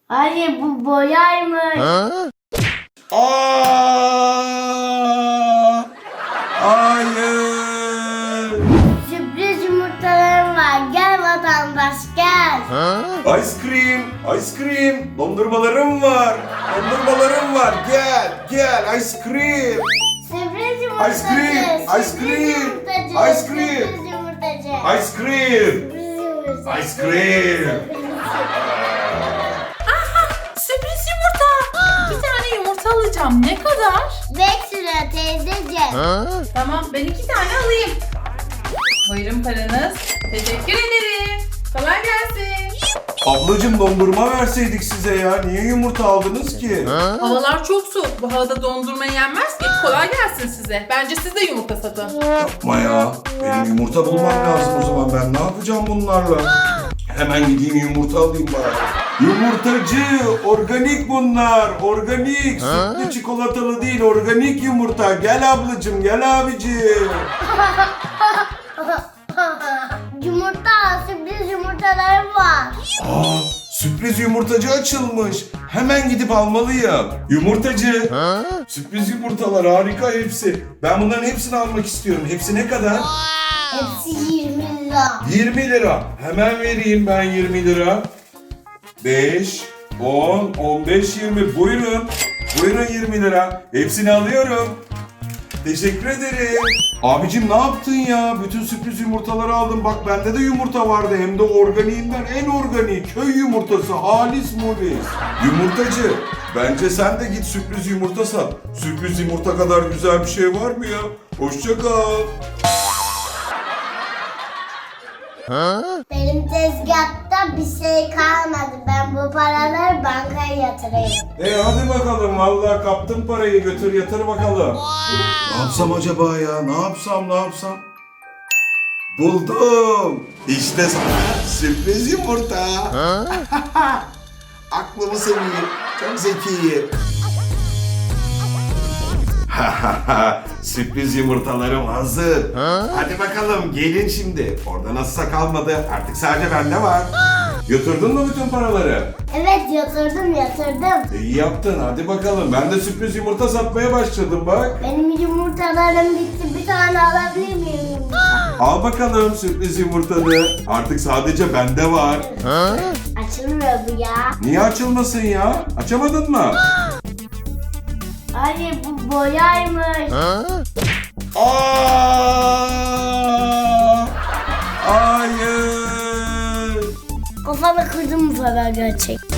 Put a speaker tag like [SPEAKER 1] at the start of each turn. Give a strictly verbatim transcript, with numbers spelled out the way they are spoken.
[SPEAKER 1] Hayır bu boyaymış.
[SPEAKER 2] Aa! Hayır.
[SPEAKER 1] Sürpriz yumurtalarım var. Gel vatandaş gel.
[SPEAKER 2] Ice cream, ice cream. Dondurmalarım var. Dondurmalarım var. Gel, gel ice cream.
[SPEAKER 1] Sürpriz yumurtacı.
[SPEAKER 2] Ice cream, ice
[SPEAKER 1] sürpriz
[SPEAKER 2] cream,
[SPEAKER 1] yumurtacı,
[SPEAKER 2] ice cream.
[SPEAKER 1] Sürpriz yumurtacı.
[SPEAKER 2] Ice cream.
[SPEAKER 1] Sürpriz yumurtacı.
[SPEAKER 2] Ice cream.
[SPEAKER 3] Sürpriz yumurta. Bir tane yumurta alacağım. Ne kadar?
[SPEAKER 1] Beş lira teyzeciğim.
[SPEAKER 3] Tamam, ben iki tane alayım. Buyurun paranız. Teşekkür ederim. Kolay gelsin.
[SPEAKER 2] Ablacım dondurma verseydik size ya. Niye yumurta aldınız ki?
[SPEAKER 3] Havalar çok soğuk. Bu havada dondurma yenmez ki. Kolay gelsin size. Bence siz de yumurta satın.
[SPEAKER 2] Yapma ya. Benim yumurta bulmam lazım o zaman. Ben ne yapacağım bunlarla? Hemen gideyim yumurta alayım bari. Yumurtacı, organik bunlar, organik. Sütlü çikolatalı değil, organik yumurta. Gel ablacım, gel abicim.
[SPEAKER 1] Yumurta, sürpriz yumurtalarım var.
[SPEAKER 2] Aa, sürpriz yumurtacı açılmış. Hemen gidip almalıyım. Yumurtacı. Sürpriz yumurtalar harika hepsi. Ben bunların hepsini almak istiyorum. Hepsi ne kadar?
[SPEAKER 1] Hepsi yirmi lira.
[SPEAKER 2] yirmi lira. Hemen vereyim ben yirmi lira. beş, on, on beş, yirmi. Buyurun. Buyurun yirmi lira. Hepsini alıyorum. Teşekkür ederim. Abicim ne yaptın ya? Bütün sürpriz yumurtaları aldım. Bak bende de yumurta vardı. Hem de organiğinden en organik. Köy yumurtası. Halis mulis. Yumurtacı. Bence sen de git sürpriz yumurta sat. Sürpriz yumurta kadar güzel bir şey var mı ya? Hoşça kal.
[SPEAKER 1] Benim tezgahta bir şey kalmadı. Ben bu paraları bankaya yatırayım.
[SPEAKER 2] E hadi bakalım. Vallahi kaptım parayı. Götür yatır bakalım. Ne yapsam acaba ya? Ne yapsam ne yapsam? Buldum. İşte sana sürpriz yumurta. Aklımı seveyim. Çok zekiyim. Sürpriz yumurtalarım hazır. Hadi bakalım gelin şimdi. Orada nasılsa kalmadı. Artık sadece bende var. Götürdün mü bütün paraları?
[SPEAKER 1] Evet yatırdım yatırdım.
[SPEAKER 2] İyi yaptın. Hadi bakalım. Ben de sürpriz yumurta satmaya başladım bak.
[SPEAKER 1] Benim yumurtalarım bitti. Bir tane alabilir miyim?
[SPEAKER 2] Al bakalım sürpriz yumurtanı. Artık sadece bende var.
[SPEAKER 1] Açılmıyor bu ya.
[SPEAKER 2] Niye açılmasın ya? Açamadın mı?
[SPEAKER 1] Hayır bu boyaymış.
[SPEAKER 2] Aa! Hayır.
[SPEAKER 1] Kafana kırdım bu sefer gerçek.